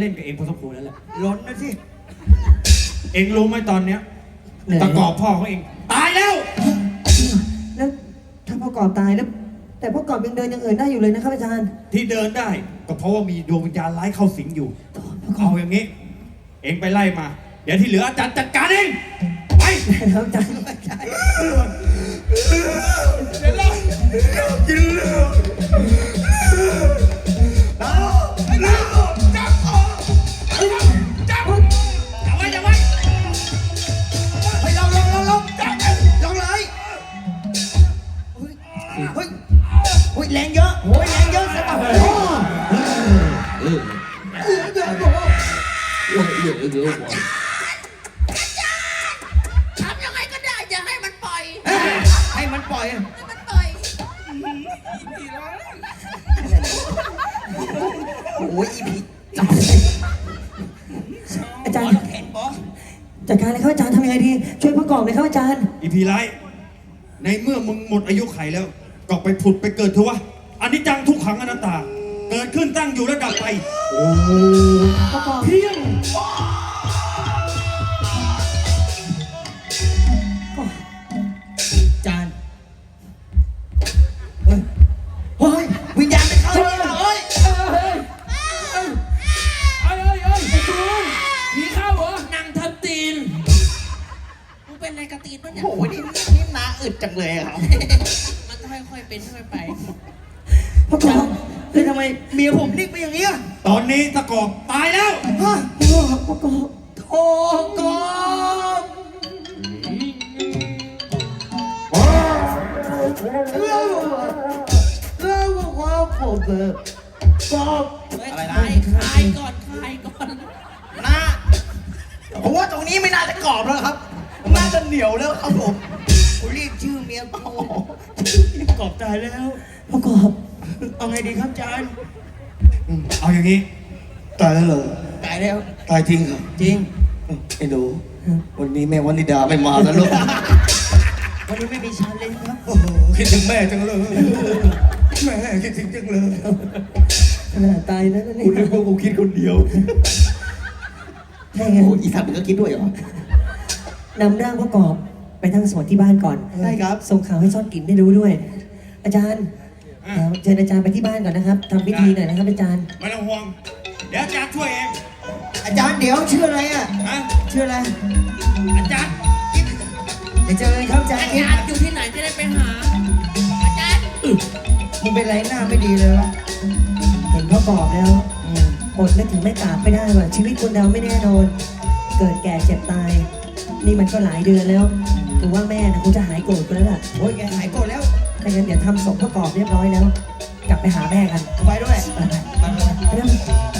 เล่นกับเองพอสมควรแล้วแหละล้นนะสิเองรู้ไหมตอนเนี้ยตะกอบพ่อเขาเองตายแล้วแล้วถ้าพ่อกอบตายแล้ว แต่พ่อกอบยังเดินยังเหินได้อยู่เลยนะครับอาจารย์ที่เดินได้ก็เพราะว่ามีดวงวิญญาณร้ายเข้าสิงอยู่เอาอย่างนี้ เองไปไล่มา เดี๋ยวที่เหลืออาจารย์จัดการเองไปแล้วอาจารย์เดี๋ยวเรากินเลือดจับจับไว้จับไว้เฮ้ยลองจับลองเลยเฮ้ยแรงเยอะแรงเยอะใช่ป่ะทำยังไงก็ได้อย่าให้มันปล่อยให้มันปล่อยให้มันปล่อยโอ้ยอีพีจับอาจารย์แขนบอสจัดการเลยครับอาจารย์ทำยังไงดีช่วยพ่อกอบเลยครับอาจารย์อีพีไรในเมื่อมึงหมดอายุไขแล้วก็ไปผุดไปเกิดเถอะวะอันนี้จังทุกขังอนัตตาเกิดขึ้นตั้งอยู่แล้วดับไปพ่อกอบเพียงจานเฮ้ยวิญญาณไปเข้าเนี่ยเฮ้ยมีข้าวเหรอนั่งทับตีนมึงเป็นอะไรกระตีนปะเนี่ยโอ้ยนี่นาอึดจังเลยครับมันค่อยๆเป็นค่อยๆไปพ่อกอบแล้วทำไมเมียผมนิ่งไปอย่างนี้ตอนนี้ตะกอบตายแล้วฮะพ่อกอบโธ่กบแล้วว่าผมกบอะไรนะคลายก่อนคลายก่อนนะผมว่าตรงนี้ไม่น่าจะกรอบแล้วครับ น่าจะเหนียวแล้วครับผมรีบชื่อเมียกูกรอบตายแล้วพ่อกอบเอาไงดีครับอาจารย์เอาอย่างนี้ตายแล้วเหรอตายแล้วตายจริงเหรอจริงไอ้หนูวันนี้แม่วันนิดาไม่มาแล้วลูกวันนี้ไม่มีชาเลนจ์ครับโอ้โหคิดถึงแม่จังเลยแม่คิดถึงจังเลยขนาดตายแล้วนี่กูนึกว่ากูคิดคนเดียวใช่ไงโอ้อีสัตว์มันก็คิดด้วยเหรอนำร่างพ่อกอบไปทั้งสวดที่บ้านก่อนได้ครับส่งข่าวให้ซ่อนกลิ่นได้รู้ด้วย อาจารย์เชิญอาจารย์ไปที่บ้านก่อนนะครับทำพิธีหน่อยนะครับอาจารย์ไม่ต้องห่วง เดี๋ยวอาจารย์ช่วยเองอาจารย์เดี๋ยวชื่ออะไรอ่ะฮะชื่ออะไรอาจารย์เดี๋ยวเจอกันครับอาจารอาย์จารย์อยู่ที่ไหนจะได้ไปหา อาจารย์มึงเป็นไรหน้าไม่ดีเลยวะเห็นพ่อกอบแล้วอดนึกถึงแม่กราบไม่ได้ว่ะชีวิตคนเราไม่แน่นอน เกิดแก่เจ็บตาย นี่มันก็หลายเดือนแล้วถือว่าแม่นะคงจะหายโกรธกันแล้วล่ะโอ้ยแกหายโกรธแล้วถ้างั้นเดี๋ยวทำศพพ่อกอบเรียบร้อยแล้ว กลับไปหาแม่กันไปด้วยไปไปไป